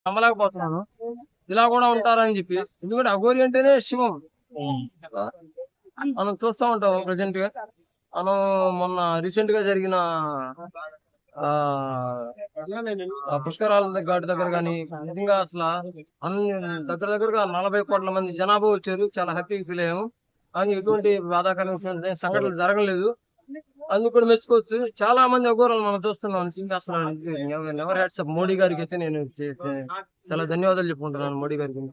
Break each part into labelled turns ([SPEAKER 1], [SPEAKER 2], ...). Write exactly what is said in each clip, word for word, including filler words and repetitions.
[SPEAKER 1] నమ్మలేకపోతున్నాను. ఇలా కూడా ఉంటారని చెప్పి. ఎందుకంటే అఘోరి అంటేనే శివం. మనం చూస్తా ఉంటాం ప్రెసెంట్ గా. మనం మొన్న రీసెంట్ గా జరిగిన ఆ ఆ పుష్కరాల ఘాట్ దగ్గర గాని నిజంగా అసలు అన్ని దగ్గర దగ్గరగా నలభై కోట్ల మంది జనాభా వచ్చారు. చాలా హ్యాపీగా ఫీల్ అయ్యాము. కానీ ఎటువంటి బాధాకరమైన సంఘటనలు జరగలేదు. అందుకు కూడా మెచ్చుకోవచ్చు. చాలా మంది అఘోరాలు మనం చూస్తున్నాం. ఇంకా అసలు నెవర్ హ్యాట్స్ అప్ మోడీ గారికి అయితే నేను చే- చే- చాలా ధన్యవాదాలు చెప్పుకుంటున్నాను మోడీ గారికి.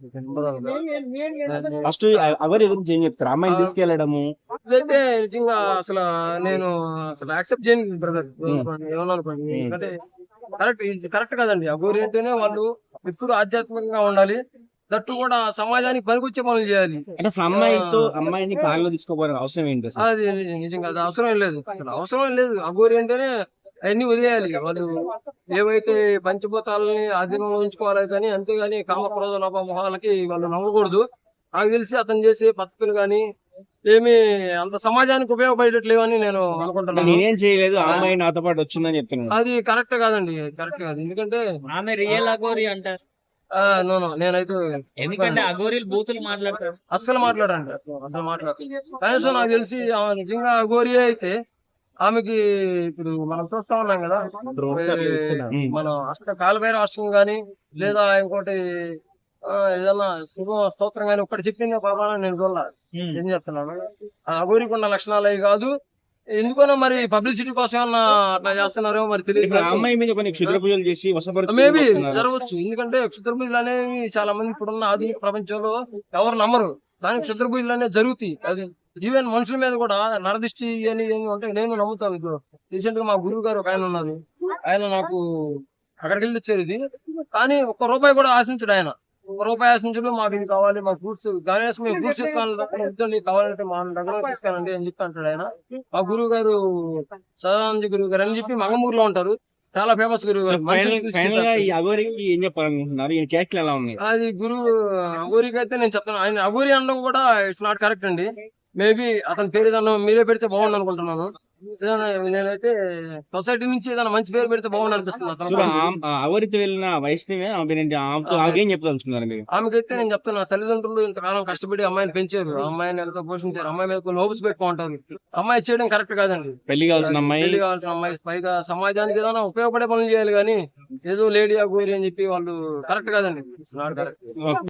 [SPEAKER 2] ఫస్ట్ ఎవరి గురించి ఏం చెప్తారు? అమ్మాయిని తీసుకెళ్లడము
[SPEAKER 1] ఇదైతే నిజంగా అసలు నేను అసలు యాక్సెప్ట్ చేయను బ్రదర్. ఏమన్నా అనుకోండి, ఎందుకంటే కరెక్ట్ ఇది కరెక్ట్ కాదండి. అఘోరి అంటేనే వాళ్ళు ఎప్పుడు ఆధ్యాత్మికంగా ఉండాలి. దట్టు కూడా సమాజానికి పనికొచ్చే పనులు చేయాలి.
[SPEAKER 2] అంటే అసలు అమ్మాయితో అమ్మాయిని కారులో తీసుకోపోవడం అవసరం ఏంటి అసలు?
[SPEAKER 1] అది నిజంగా అది అవసరం లేదు. అసలు అవసరం లేదు. అఘోరి అంటేనే అవన్నీ వదిలేయాలి. వాళ్ళు ఏవైతే పంచభూతాలని ఆధీనంలో ఉంచుకోవాలి కానీ, అంతేగాని కామ క్రోధ లోప మొహాలకి వాళ్ళు నమ్మకూడదు. నాకు తెలిసి అతను చేసే పద్ధతులు కానీ ఏమి అంత సమాజానికి ఉపయోగపడేట్లేవని నేను అనుకుంటున్నాను.
[SPEAKER 2] నేనేం చేయలేదు, ఆ అమ్మాయి నాతో పాటు వచ్చిందని చెప్తున్నాను.
[SPEAKER 1] అది కరెక్ట్ కాదండి, కరెక్ట్ కాదు. ఎందుకంటే
[SPEAKER 3] ఆమె రియల్ అఘోరి అంటారు.
[SPEAKER 1] ఆ నో నో నేనైతే
[SPEAKER 3] ఎందుకంటే అఘోరీలు బూతులు మాట్లాడతారు.
[SPEAKER 1] అస్సలు మాట్లాడండి, అసలు మాట్లాడు. కనీసం నాకు తెలిసి ఆమె నిజంగా అఘోరి అయితే ఆమెకి ఇప్పుడు మనం చూస్తా ఉన్నాం కదా, ఏ, మన అష్ట కాలభైరవ అష్టకం గాని లేదా ఇంకోటి ఆ, ఏదన్నా శుభ స్తోత్రం గాని ఒక్కటి చెప్పింది పరమాన నేను చూడాల. ఏం చెప్తున్నాను, ఆ అఘోరికి ఉన్న లక్షణాలు అవి కాదు. ఎందుకనో మరి పబ్లిసిటీ కోసం ఏమన్నా అట్లా చేస్తున్నారో మరి తెలియదు.
[SPEAKER 2] ఇప్పుడు ఆ అమ్మాయి మీద కొన్ని క్షుద్ర పూజలు చేసి
[SPEAKER 1] మేబీ
[SPEAKER 2] వశపరుచుకుంటున్నారు.
[SPEAKER 1] జరగవచ్చు. ఎందుకంటే క్షుద్ర పూజలు అనేవి చాలా మంది ఇప్పుడున్న ఆధునిక ప్రపంచంలో ఎవరు నమ్మరు. కానీ క్షుద్ర పూజలు అనేవి జరుగుతాయి. అది ఈవెన్ మనుషుల మీద కూడా నరదిష్టి అని ఏమి అంటే నేను నమ్ముతాను. ఇప్పుడు రీసెంట్ గా మా గురువు గారు ఒక ఆయన ఉన్నారు. ఆయన నాకు అక్కడికి వెళ్ళి తెచ్చారు ఇది. కానీ ఒక్క రూపాయి కూడా ఆశించడు ఆయన. ఒక రూపాయి ఆశించడం మాకు ఇది కావాలి, మా ఫ్రూట్స్ గణేష్ మేము ఫ్రూట్స్ ఇస్తాను కావాలంటే మా దగ్గర తీసుకోనండి అని చెప్పి అంటాడు ఆయన. మా గురువు గారు సదానంద గురువు గారు అని చెప్పి మంగమూరులో ఉంటారు. చాలా ఫేమస్ గురువు గారు. మనుషుల్ని చూసి
[SPEAKER 2] ఫైనల్ గా ఈ
[SPEAKER 1] చేస్తారు.
[SPEAKER 2] అఘోరికి ఏం చెప్పాలనుకుంటున్నారు? ఈ క్యారెక్టర్ ఎలా ఉన్నాయి?
[SPEAKER 1] అది గురువు అఘోరికి అయితే నేను చెప్తాను. ఆయన అఘోరి అనడం కూడా ఇట్స్ నాట్ కరెక్ట్ అండి. మేబీ అతని పేరు ఏదన్నా మీరే పెడితే బాగుంది అనుకుంటున్నాను. ఏదైనా నేనైతే సొసైటీ నుంచి ఏదైనా మంచి పేరు పెడితే బాగుంది అనిపిస్తుంది అతను.
[SPEAKER 2] చూడు, ఆ- ఆ అఘోరితో వెళ్ళిన వైష్ణవి ఆమె పేరేంటి? ఆమెతో ఆమెకేం చెప్పదలుచుకున్నారు మీరు?
[SPEAKER 1] ఆమెకైతే నేను చెప్తున్నా, తల్లిదండ్రులు ఇంతకాలం కష్టపడి అమ్మాయిని పెంచారు, అమ్మాయిని ఎంతో పోషించారు, అమ్మాయి మీద కొన్ని హోప్స్ పెట్టుకుంటారు. అమ్మాయి చేయడం కరెక్ట్ కాదండి.
[SPEAKER 2] పెళ్లి కావాల్సిన అమ్మాయి
[SPEAKER 1] పెళ్లి కావాల్సిన అమ్మాయి పైగా సమాజానికి ఏదైనా ఉపయోగపడే పనులు చేయాలి కానీ ఏదో లేడీ అఘోరి అని చెప్పి వాళ్ళు కరెక్ట్ కాదండి. కరెక్ట్.